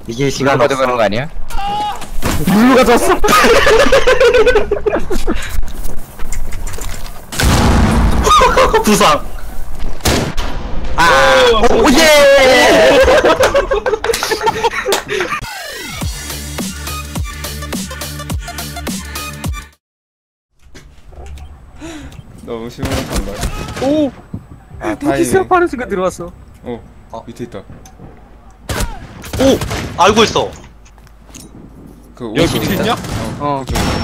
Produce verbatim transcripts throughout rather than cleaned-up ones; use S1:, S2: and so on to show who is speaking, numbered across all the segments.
S1: 이게 시간
S2: 가도 그런 거 아니야?
S3: 물로 가져왔어.
S1: 부상. 아, 오예.
S4: 너무 시원한다.
S3: 오.
S4: 아
S3: 무기 시합
S4: 다행이네.
S3: 하는 순간 들어왔어.
S4: 어,
S1: 어.
S4: 밑에 있다.
S1: 오, 알고 있어.
S4: 그
S5: 여기 밑에 있냐?
S3: 어.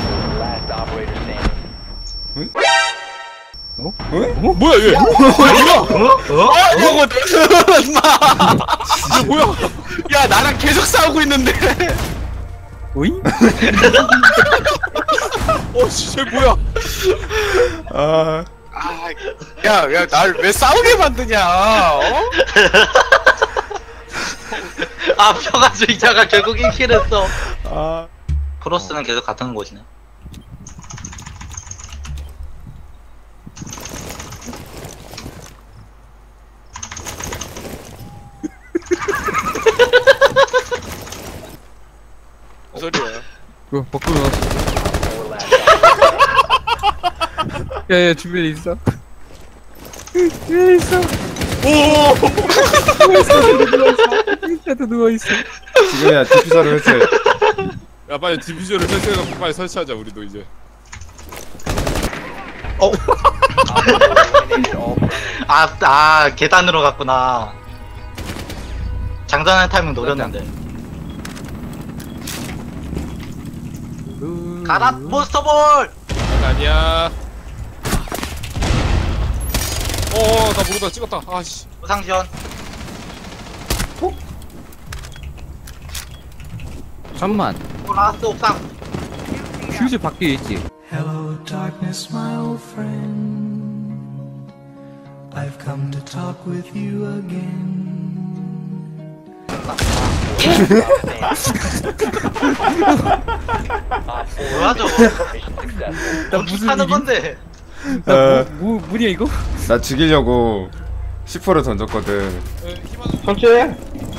S4: 응?
S3: 어?
S4: 응?
S5: 뭐야 얘?
S1: 어? 어?
S5: 아 이거 임마! 이거 뭐야? 야 나랑 계속 싸우고 있는데.
S3: 오이?
S5: 어 진짜 뭐야?
S4: 아,
S5: 아, 야, 야, 날 왜 싸우게 만드냐? 어?
S1: 아, 평화주의자가 결국 일 킬 했어.
S4: 아.
S1: 프로스는 계속 같은 곳이네.
S5: 무슨 소리야?
S3: 그 밖으로 나왔어. 야야 주변에 있어. 여기 있어.
S5: 오!
S3: 누워 있어. 누워 있어. 나도 누워 있어.
S4: 지금이야 디퓨저를 했어요.
S5: 야 빨리 디퓨저를 설치해서 빨리 설치하자 우리도 이제.
S1: 어? 아, 아, 계단으로 갔구나. 장전할 타이밍 노렸는데. 가라, 몬스터볼!
S5: 아니야. 어어 나 모르다 찍었다. 아씨.
S1: 부상시원.
S3: 잠만.
S1: 라스트 옥상.
S3: 퓨즈 밖에 있지.
S6: Hello, darkness, my old friend. I've come to talk with you again.
S1: 뭐야, 저거?
S3: 나
S1: 어떻게
S3: 무슨
S1: 하는
S3: 일이?
S1: 건데?
S3: 나
S4: 어.
S3: 뭐, 뭐 뭐냐 이거?
S4: 나 죽이려고 시퍼를 던졌거든.
S7: 설치해.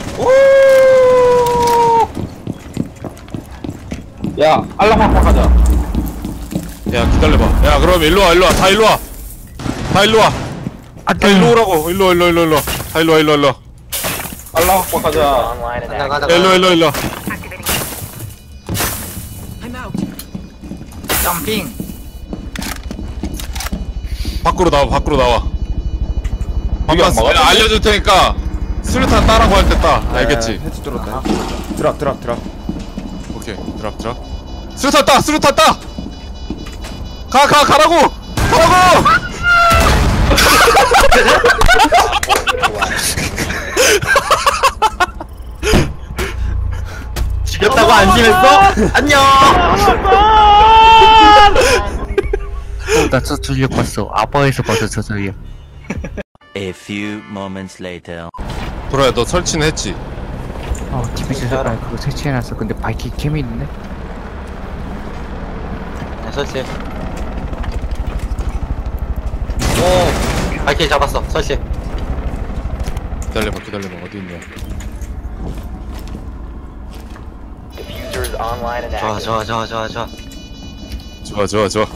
S7: 야, 알람 확 가자.
S5: 야 기다려봐. 야 그럼 일로 와 일로 와. 다 일로 와. 다 일로 와. 다 일로 오라고. 일로 와, 일로 와, 일로 와, 일로 와. 다 일로 와 일로 와, 일로 와.
S7: 알람 확 가자.
S1: 가자, 가자,
S5: 야, 일로 와,
S1: 가자.
S5: 일로 와, 일로 와.
S1: 점핑.
S5: 밖으로 나와 밖으로 나와.
S7: 이게 안
S5: 한번
S7: 막았지?
S5: 알려줄 테니까 수류탄 따라고 할 때 따. 알겠지?
S4: 해치 뚫었다. 드랍 드랍 드랍.
S5: 오케이 드랍 드랍. 수류탄 따 수류탄 따. 가 가 가라고 가라고.
S1: 죽였다고 안심했어? 안녕!
S2: 나 저 전력 봤어. 아빠에서 봐서 저 전력.
S8: A few moments later.
S5: 도라야 너 설치는 했지?
S2: 어, 디비전 색깔 그거 설치해놨어. 근데 바이킹 캠이 있네.
S1: 네, 설치. 오, 발키리 잡았어. 설치.
S5: 기다려봐 기다려봐 어디 있냐?
S1: 좋아, 좋아, 좋아, 좋아, 좋아.
S5: 좋아 좋아 좋아.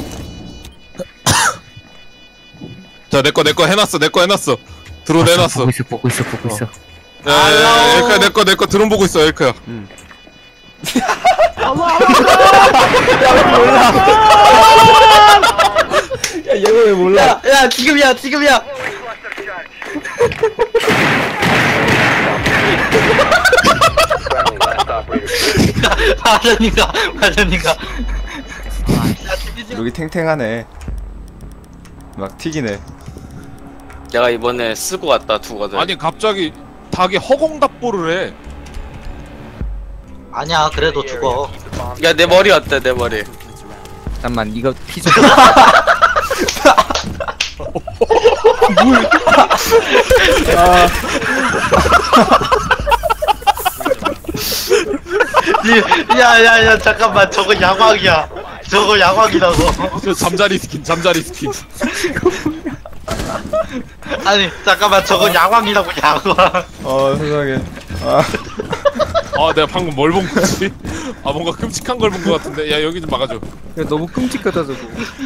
S5: 자 내거 내거 해놨어 내거 해놨어. 드론 해놨어.
S2: 보고 있어, 보고 있어, 보고 있어.
S5: 야야야 엘카야 내거 내거 드론 보고 있어 엘카야.
S4: 응.
S7: 야, 얘가 왜 몰라?
S1: 야, 야, 지금이야, 지금이야! 마전이가, 마전이가.
S4: 여기 탱탱하네. 막 튀기네.
S9: 내가 이번에 쓰고 왔다 두거든.
S5: 아니 갑자기 닭이 허공답보를 해.
S1: 아니야, 그래도 죽어.
S9: 야 내 머리 어때 내 머리?
S2: 잠깐만, 이거 피자.
S1: 야, 야, 야, 잠깐만, 저거 야광이야. 저거 야광이라고.
S5: 저 잠자리 스킨 잠자리 스킨.
S1: 아니, 잠깐만, 저거 야광이라고, 야광.
S4: 어 세상에. 아.
S5: 아 내가 방금 뭘 본 거지? 아 뭔가 끔찍한 걸 본 거 같은데. 야 여기 좀 막아줘.
S3: 야 너무 끔찍하다 저거.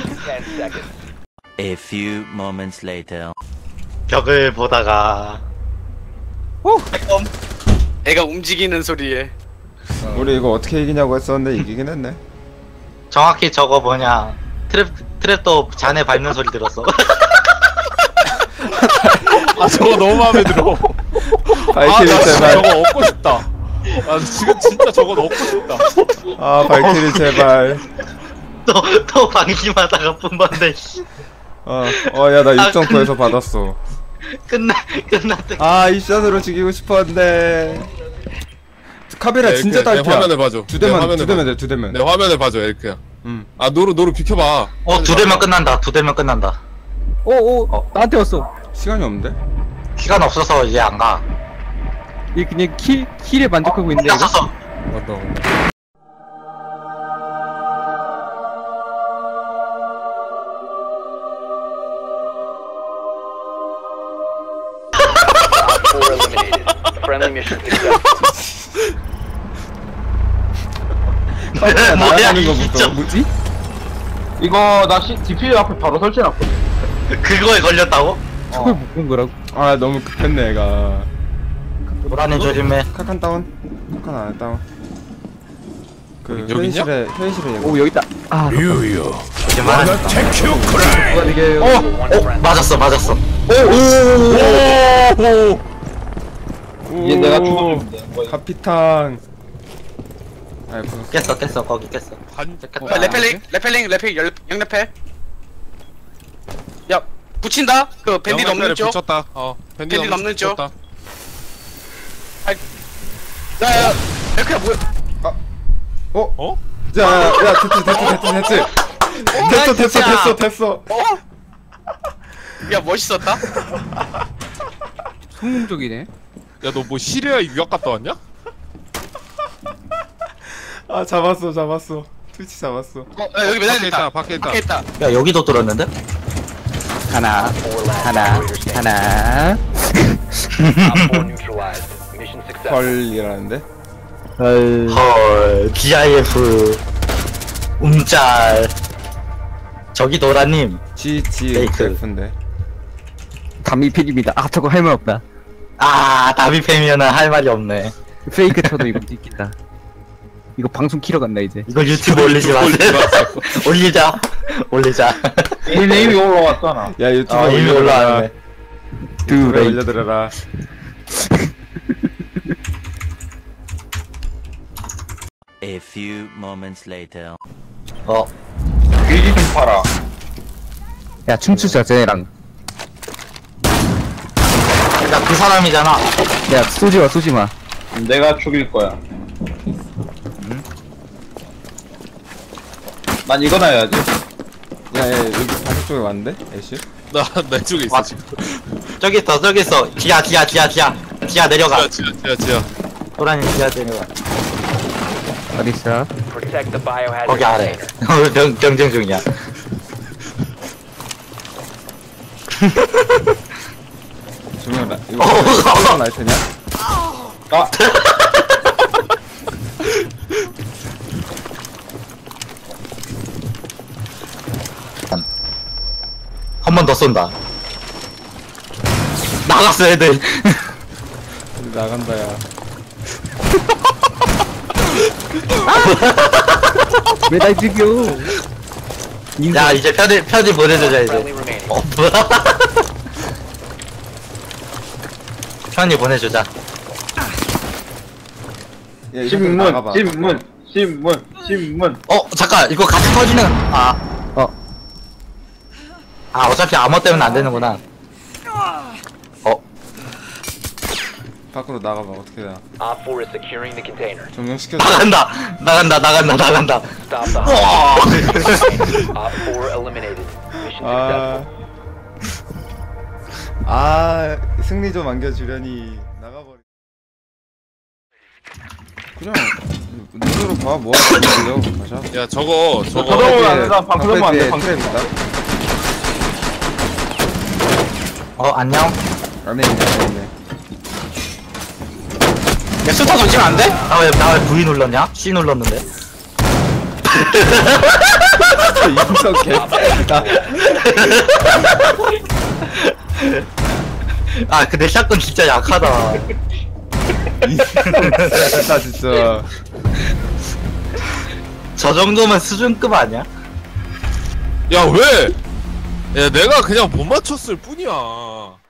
S8: A few moments later.
S1: 벽을 보다가
S9: 애가 움직이는 소리에
S4: 우리 이거 어떻게 이기냐고 했었는데 이기긴 했네.
S1: 정확히 저거 뭐냐 트랩 트랩도 잔에 밟는 소리 들었어.
S5: 아 저거 너무 마음에 들어.
S4: 발키리
S5: 아, 나 진짜
S4: 제발.
S5: 저거 얻고 싶다. 아 지금 진짜 저거 얻고 싶다.
S4: 아 발키리 제발.
S1: 또 또 방심하다가 뿜번데
S4: 어어야 나 육 점 구에서 받았어.
S1: 끝나 끝났대.
S4: 아 이션으로 죽이고 싶었는데. 카베라
S5: 네,
S4: 진짜
S5: 이렇게 내
S4: 딸피야.
S5: 화면을 봐줘.
S4: 두
S5: 내
S4: 대만
S5: 화면을
S4: 두 대면
S5: 봐줘.
S4: 돼 두 대면.
S5: 내 화면을 봐줘 에리크야.
S4: 응.
S5: 아 노루 노루 비켜봐.
S1: 어 두 대면 끝난다. 두 대면 끝난다.
S3: 오오
S1: 어.
S3: 나한테 왔어.
S4: 시간이 없는데?
S1: 시간 없어서 이제 안 가.
S3: 얘 그냥 킬 킬에 만족하고 있는데.
S1: 나
S3: 이거?
S1: 썼어.
S5: 맞다 맞다.
S1: 뭐야
S4: 날아가는
S1: 이
S4: 거부터.
S1: 점
S3: 뭐지?
S7: 이거 나 씨, 디피유 앞에 바로 설치해놨거든.
S1: 그거에 걸렸다고?
S3: 저걸 못 본 거라고.
S4: 아 너무 급했네 얘가.
S1: 보라는 조심해.
S4: 카칸 다운. 카칸 안 다운. 그
S5: 여기 있냐?
S4: 회의실에 회의실에 얘가.
S3: 오 여기 있다. 아
S1: 조심하라.
S3: 누가 이게
S1: 어, 어 맞았어 맞았어.
S4: 오.
S7: 얘 내가 죽어주면 돼. 뭐,
S4: 카피탕. 아이고.
S1: 깼어 깼어 거기 깼어.
S5: 반.
S9: 야, 레펠링 레펠링 레펠 열 영레펠 야 붙인다 그 밴디 넘는 쪽
S5: 붙였다. 어 밴디
S9: 밴디 넘는 쪽.
S5: 붙였다.
S9: 야야 레펠 뭐야
S4: 어?
S5: 어?
S4: 야, 야, 됐지, 됐지, 됐지, 됐지. 됐어, 됐어, 됐어, 됐어.
S9: 야 멋있었다
S3: 성공적이네.
S5: 야 너 뭐 시리아 유학 갔다 왔냐?
S4: 아, 잡았어, 잡았어. 트위치 잡았어.
S9: 어 야, 여기 매달려
S5: 밖에
S9: 있다
S5: 있다 밖에 있다.
S9: 밖에 있다
S1: 야 여기도 뚫었는데?
S3: 하나 하나 하나.
S4: 헐이라는데?
S1: 헐 지아이에프 움짤. 저기 노라님.
S4: 지지
S1: 페이크.
S4: F인데.
S3: 담미필입니다. 아 저거 할 말 없다.
S1: 아 다비팸이면은 할 말이 없네.
S3: 페이크 쳐도 이거 찍겠다. 이거 방송 키러 간다 이제.
S1: 이거 유튜브 올리지 마세요. 올리자 올리자.
S7: 얘 네임이 올라왔잖아.
S4: 야, 유튜브에
S1: 아 이미
S4: 올려드려라.
S1: 올라왔네.
S4: 유튜브에
S3: 두
S4: 올려드려라.
S8: A few moments later.
S1: 어
S7: 길지 좀 팔아.
S3: 야 춤추자 쟤네랑.
S1: 야 그 사람이잖아.
S3: 야 쏘지마 쏘지마.
S7: 내가 죽일 거야. 난 이거나 해야지.
S4: 야, 야, 여기 반대 쪽에 왔는데? 애쉬?
S5: 나내 쪽에 있어
S1: 와.
S5: 지금.
S1: 저기 있어 저기 있어. 지하 지하 지하 지하 지하 내려가.
S5: 지야 지야 지야 지야.
S1: 노라님 지하 내려가.
S3: 어딨어?
S1: 거기 아래. 병 경쟁 중이야.
S4: 조명 라, 이거 조명 라이트냐?
S7: 아,
S1: 한 번 더 쏜다. 나갔어 애들.
S4: 나간다, 야.
S3: 왜 날 죽여?
S1: 야 이제 편지 편지 보내주자 이제. 어 뭐야? 편지 보내주자.
S4: 야, 이
S7: 신문,
S4: 나가봐.
S7: 신문, 신문, 신문.
S1: 어 잠깐 이거 같이 터지는. 아
S3: 어.
S1: 아 어차피 암호 때문에 안 되는구나. 어
S4: 밖으로 나가봐, 어떻게 나. 조명 시켜줘.
S1: 나간다 나간다 나간다 나간다. 우와.
S4: 아. 아, 승리 좀 안겨주려니 나가버리. 그냥 눈으로 봐, 뭐 하는 거야? 가자.
S5: 야 저거 저거.
S7: 저거 안 된다. 방 그러면 안 돼. 방
S4: 트랩이다.
S1: 어 안녕.
S4: 안에 있네, 안에 있네.
S9: 야 수타 던지면 안 돼?
S1: 나왜 나 왜 V 눌렀냐? C 눌렀는데.
S4: 인성 개빡이다.
S1: 아 근데 샷건 진짜 약하다.
S4: 인성 진짜.
S1: 저 정도면 수준급 아니야?
S5: 야 왜? 야 내가 그냥 못 맞췄을 뿐이야.